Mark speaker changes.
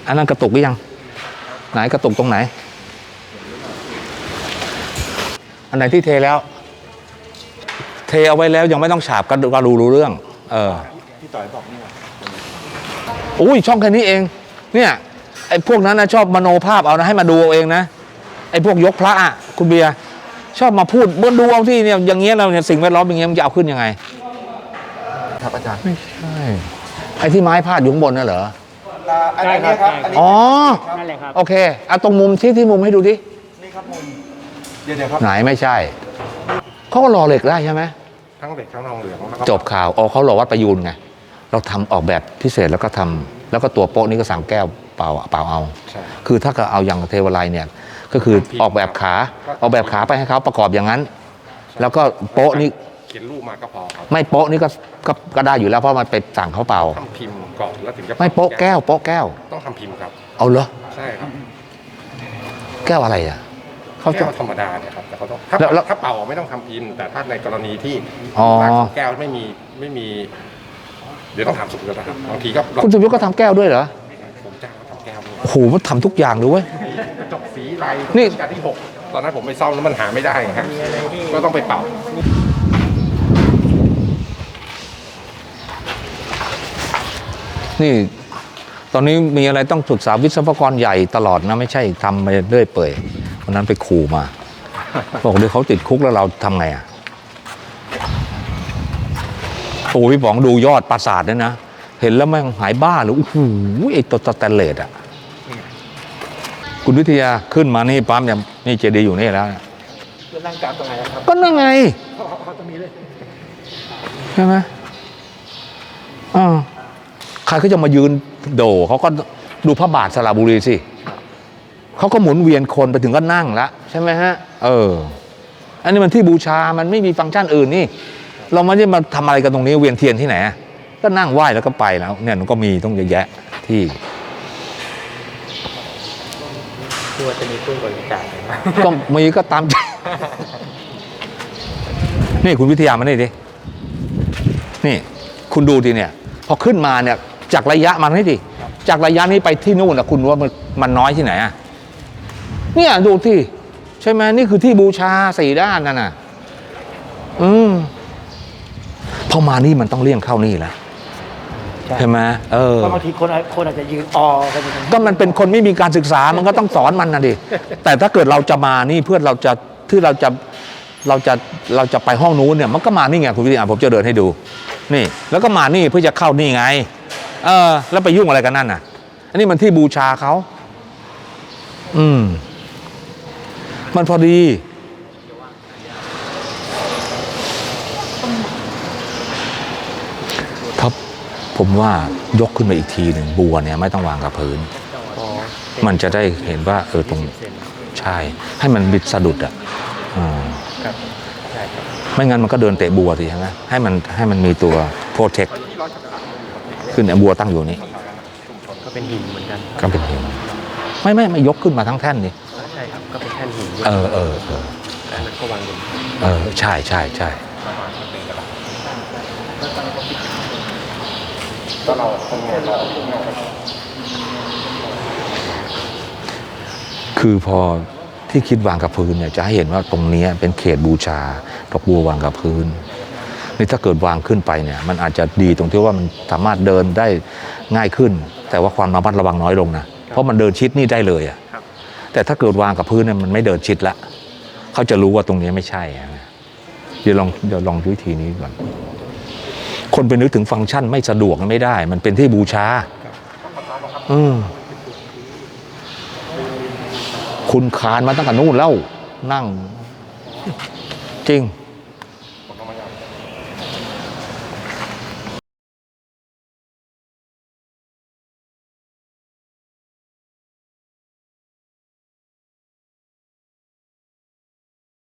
Speaker 1: อันนั้นกระตุกหรือยังไหนกระตุกตรงไหนอันไหนที่เทแล้วเทเอาไว้แล้วยังไม่ต้องฉาบก็รู้เรื่อง
Speaker 2: พี่ต่อยบอกนี่
Speaker 1: อุ้ยช่องแค่นี้เองเนี่ยไอ้พวกนั้นนะชอบมโนภาพเอานะให้มาดูเอาเองนะไอ้พวกยกพระอ่ะคุณเบียร์ชอบมาพูดบนดูเอาที่เนี่ยอย่างเงี้ยเราเนี่ยสิ่งแวดล้อมอย่างเงี้ยมันจะเอาขึ้นยังไง
Speaker 2: ครับอาจารย์
Speaker 1: ไม่ใช่ไอ้ที่ไม้พาดอยู่ข้างบนน่ะเหรอ
Speaker 2: อันนี้ครับ
Speaker 1: อ๋อนั่นแหละครับโอเคเอาตรงมุมที่มุมให้ดูดิ
Speaker 2: นี่ครับมุมเดี๋ยวครับ
Speaker 1: ไหนไม่ใช่เขาก็รอเหล็กได้ใช่ไหม
Speaker 2: ทั้งเหล็กทั้งทองเหลือง
Speaker 1: จบข่าวเขารอวัดประยูนไงเราทำออกแบบพิเศษแล้วก็ทำแล้วก็ตัวโป๊ะนี้ก็สั่งแก้วเปล่าเอาคือถ้าก็เอาอย่างเทวไลเนี่ยก็คือออกแบบขาไปให้เขาประกอบอย่างนั้นแล้วก็โป๊ะนี้
Speaker 2: เขียนรูปมาก็พอครับ
Speaker 1: ไม่โป๊ะนี้ก็ได้อยู่แล้วเพราะมันไปสั่งเขาเปล่า
Speaker 2: ทำพิมพ์ก่อนแล้วถึงจะ
Speaker 1: ไม่โป๊ะแก้ว
Speaker 2: ต้องทำพิมพ์ครับ
Speaker 1: เอาเหรอ
Speaker 2: ใช่ครับ
Speaker 1: แก้วอะไรอ่ะ
Speaker 2: เขาแก้วธรรมดาเนี่ยครับแต่เขาต้องถ้าเป่าไม่ต้องทำพิมพ์แต่ถ้าในกรณีที่แก้วไม่มีเดี๋ยวต้องทำสุกแล้วนะครับบางทีก็
Speaker 1: คุณสุยุทธก็ทำแก้วด้วยเหรอ
Speaker 2: ผมจ้างเขาทำแก้ว
Speaker 1: โอ้โหมันทำทุกอย่างเลยเว้ย
Speaker 2: กระจกสีลายนี่การที่6ตอนนั้นผมไปซ่อมแล้วมันหาไม่ได้ครับก็ต้องไปเป่า
Speaker 1: นี่ตอนนี้มีอะไรต้องปรึกษาวิศวกรใหญ่ตลอดนะไม่ใช่ทำไปเรื่อยเปื่อยวันนั้นไปขู่มาบอกเดี๋ยวเขาติดคุกแล้วเราทำไงอ่ะโอ้พี่ป๋องดูยอดปราสาทเนี่ยนะเห็นแล้วแม่งหายบ้าเลยโอ้โหไอ้ตัวสแตนเลสอ่ะคุณวิทยาขึ้นมานี่ปั๊มเนี่ยนี่เจดีย์อยู่นี่แล้ว
Speaker 2: จะนั่งกราบตรงไหนครับ
Speaker 1: ก็นั่งไง
Speaker 2: เขาจะมีเลย
Speaker 1: ใช่ไหมใครเขาจะมายืนโดเขาก็ดูพระบาทสระบุรีสิเขาก็หมุนเวียนคนไปถึงก็นั่งแล้วใช่ไหมฮะอันนี้มันที่บูชามันไม่มีฟังก์ชันอื่นนี่เราไม่ได้มาทำอะไรกันตรงนี้เวียนเทียนที่ไหนก็นั่งไหว้แล้วก็ไปแล้วเนี่ยมันก็มีต้องเยอะแยะที่
Speaker 2: ว่าจะมีตู้บริจาค
Speaker 1: ก็มีก็ตามนี่คุณวิทยามานี่ดินี่คุณดูดิเนี่ยพอขึ้นมาเนี่ยจากระยะมันให้ดิจากระยะนี้ไปที่นู่นนะคุณว่ามันน้อยที่ไหนเนี่ยดูที่ใช่ไหมนี่คือที่บูชา4ด้านนั่นน่ะพอมานี่มันต้องเลี่ยงเข้านี่แหละใช่ไหม
Speaker 2: ก็บางทีคนอาจจะยืน
Speaker 1: ก็มันเป็นคนไม่มีการศึกษามันก็ต้องสอนมันนะดิแต่ถ้าเกิดเราจะมานี่เพื่อเราจะไปห้องนู้นเนี่ยมันก็มานี่ไงคุณวิทยาผมจะเดินให้ดูนี่แล้วก็มานี่เพื่อจะเข้านี่ไงแล้วไปยุ่งอะไรกันนั่นน่ะอันนี้มันที่บูชาเขามันพอดีครับผมว่ายกขึ้นมาอีกทีหนึ่งบัวเนี่ยไม่ต้องวางกับพื้นมันจะได้เห็นว่าตรงใช่ให้มันบิดสะดุดไม่งั้นมันก็เดินเตะบัวสิใช่ไหมให้มันมีตัวโปรเทคขึ้นเนี่ยบัวตั้งอยู่นี่
Speaker 2: ก็เป็นหินเหมือนกัน
Speaker 1: ก็เป็นหินไม่ยกขึ้นมาทั้งแท่นนี่
Speaker 2: ใช่ครับก็เป็นแท่นหินมันก็วางอยู่
Speaker 1: ใช่
Speaker 2: ก็เราทำงานเรา
Speaker 1: คือพอที่คิดวางกับพื้นเนี่ยจะให้เห็นว่าตรงนี้เป็นเขตบูชาดอกบัววางกับพื้นนี่ถ้าเกิดวางขึ้นไปเนี่ยมันอาจจะดีตรงที่ว่ามันสามารถเดินได้ง่ายขึ้นแต่ว่าความระมัดระวังน้อยลงนะเพราะมันเดินชิดนี่ได้เลยแต่ถ้าเกิดวางกับพื้นเนี่ยมันไม่เดินชิดละเขาจะรู้ว่าตรงนี้ไม่ใช่เดี๋ยวลองวิธีนี้ก่อนคนไปนึกถึงฟังก์ชันไม่สะดวกไม่ได้มันเป็นที่บูชาคุณคานมาตั้งแต่นู่นแล้วนั่งจริง